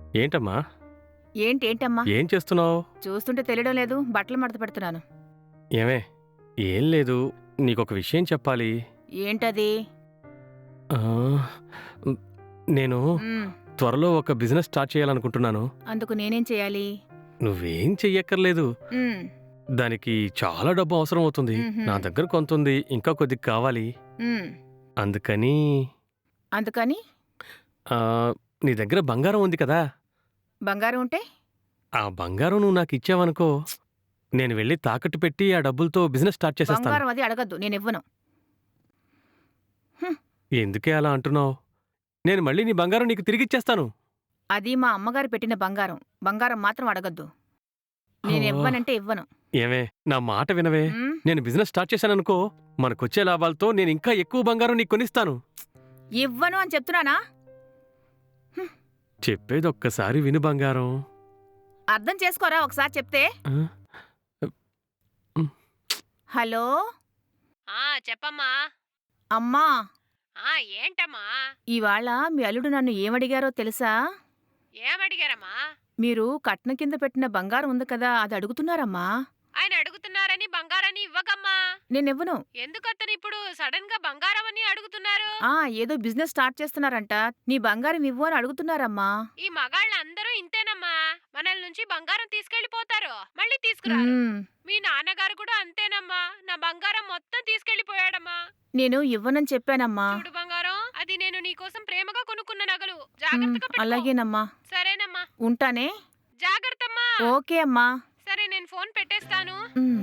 ఏంటమ్మా? ఏంటమ్మా? ఏం చేస్తున్నావు? చూస్తుంటే తెలియడం లేదు. బట్టలు మడత పెడుతున్నాను. ఏమే? ఏం లేదు. నీకొక విషయం చెప్పాలి. ఏంటది? ఆ, ఉమ్, నేను మ్, త్వరలో ఒక బిజినెస్ స్టార్ట్ చేయాలనుకుంటున్నాను. అందుకు నేనేం చేయాలి? నువ్వేం చెయ్యక్కర్లేదు. మ్, దానికి చాలా డబ్బు అవసరం అవుతుంది. మ్హూ. నా దగ్గర కొంతుంది, ఇంకా కొద్దిగా కావాలి. మ్. అందుకని అందుకని ఆ, నీ దగ్గర బంగారం ఉంది కదా? బంగారం ఉంటే ఆ బంగారం నువ్వు నాకు ఇచ్చావనుకో, నేను వెళ్ళి తాకట్టు పెట్టి ఆ డబ్బులతో బిజినెస్ స్టార్ట్ చేసేస్తాను. బంగారం అది అడగద్దు, నేను ఇవ్వను. ఎందుకే అలా అంటున్నావు? నేను మళ్ళీ నీ బంగారం నీకు తిరిగిచ్చేస్తాను. అది మా అమ్మగారు పెట్టిన బంగారం. బంగారం మాత్రం అడగద్దు. నేను ఓ, ఇవ్వనంటే ఇవ్వను. ఏమే, నా మాట వినవే. మ్, నేను బిజినెస్ స్టార్ట్ చేశాననుకో, మనకొచ్చే లాభాలతో నేను ఇంకా ఎక్కువ బంగారం నీకు కొనిస్తాను. ఇవ్వను అని చెప్తున్నానా? చెప్పేది ఒక్కసారి విను బంగారం. అర్థం చేసుకోరా ఒకసారి చెప్తే. ఆ? హలో చెప్పమ్మా. అమ్మా, ఏంటమ్మా? ఇవాళ మీ అల్లుడు నన్ను ఏమడిగారో తెలుసా? ఏమడిగారమ్మా? మీరు కట్నం కింద పెట్టిన బంగారం ఉంది కదా, అది అడుగుతున్నారమ్మా. ఆయన అడుగుతున్నారని బంగారాన్ని ఇవ్వకమ్మా. నేనివ్వను. ఎందుకతను ఇప్పుడు సడన్ గా బంగారం అని అడుగుతున్నారు? ఏదో బిజినెస్ స్టార్ట్ చేస్తున్నారంట. నీ బంగారం ఇవ్వు అని అడుగుతున్నారమ్మా. ఈ మగాళ్ళందరూ ఇంతేనమ్మా. మనల్ నుంచి బంగారం తీసుకెళ్లిపోతారు, మళ్ళీ తీసుకురారు. మ్మ్. మీ నాన్నగారు కూడా అంతేనమ్మా. నా బంగారం మొత్తం తీసుకెళ్లిపోయాడమ్మా. నేను ఇవ్వనని చెప్పానమ్మా. చూడు బంగారం, అది నేను నీకోసం ప్రేమగా కొనుక్కున్న నగలు. జాగ్రత్తగా పెట్టుకో. అలాగేనమ్మా. సరేనమ్మా, ఉంటానే. జాగ్రత్తమ్మా. ఓకే అమ్మా. సరే, నేను ఫోన్ పెట్టేస్తాను. మ్మ్.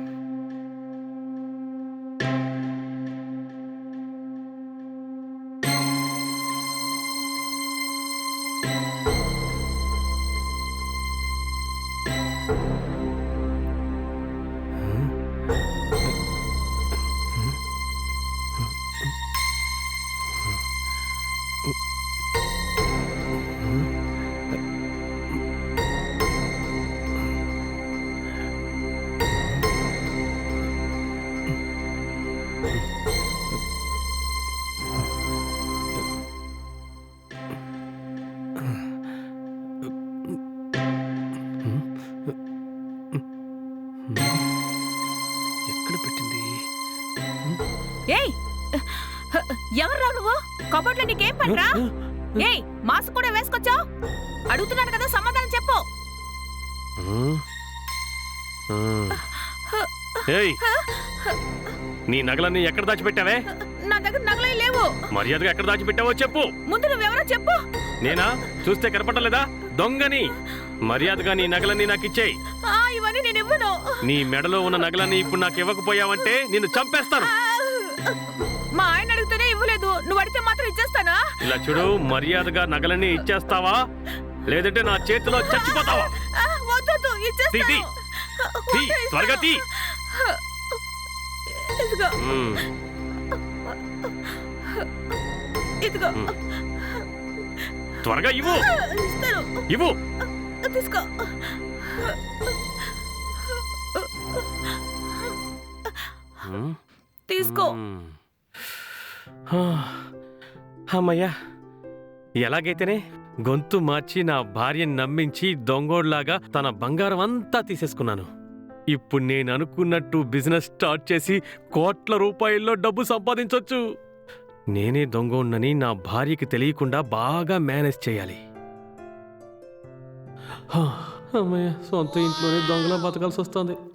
ఎక్కడ పెట్టింది? ఏయ్, ఎవర్రా నువ్వు? కబోర్డ్లో నీకేం పనిరా? ఏయ్, మాస్క్ కూడా వేసుకొచ్చావు? అడుగుతున్నాను కదా, సమాధానం చెప్పు. ఏయ్, నీ నగలన్నీ ఎక్కడ దాచిపెట్టావే? నా దగ్గర నగలే లేవు. మర్యాదగా ఎక్కడ దాచిపెట్టావో చెప్పు. ముందు నువ్వెవరో చెప్పు. నేనా? చూస్తే కనపడలేదా? దొంగని. మర్యాదగా నీ నగలన్నీ నాకు ఇచ్చేయి. ఇవన్నీ నేను ఇవ్వను. నీ మెడలో ఉన్న నగలన్నీ ఇప్పుడు నాకు ఇవ్వకపోయావంటే నిన్ను చంపేస్తాను. మా ఆయన అడిగితేనే ఇవ్వలేదు, నువ్వు అడిగితే మాత్రం ఇచ్చేస్తానా? ఇలా చూడు, మర్యాదగా నగలన్నీ ఇచ్చేస్తావా లేదంటే నా చేతిలో చచ్చిపోతావా? వద్దు, ఇచ్చేస్తాను. తీ, తీ, త్వరగా తీ. ఇదిగో, మ్మ్. ఇదిగో. త్వరగా ఇవ్వు. ఇస్తాను, ఇవ్వు. తీసుకో. మ్మ్. తీసుకో. మ్మ్. అమ్మయ్యా, ఎలాగైతేనే గొంతు మార్చి నా భార్యని నమ్మించి దొంగోడ్లాగా తన బంగారం అంతా తీసేసుకున్నాను. ఇప్పుడు నేను అనుకున్నట్టు బిజినెస్ స్టార్ట్ చేసి కోట్ల రూపాయల్లో డబ్బు సంపాదించొచ్చు. నేనే దొంగోడ్నని నా భార్యకి తెలియకుండా బాగా మేనేజ్ చేయాలి. అమ్మయ్య, సొంత ఇంట్లోనే దొంగలా బతకాల్సి వస్తుంది.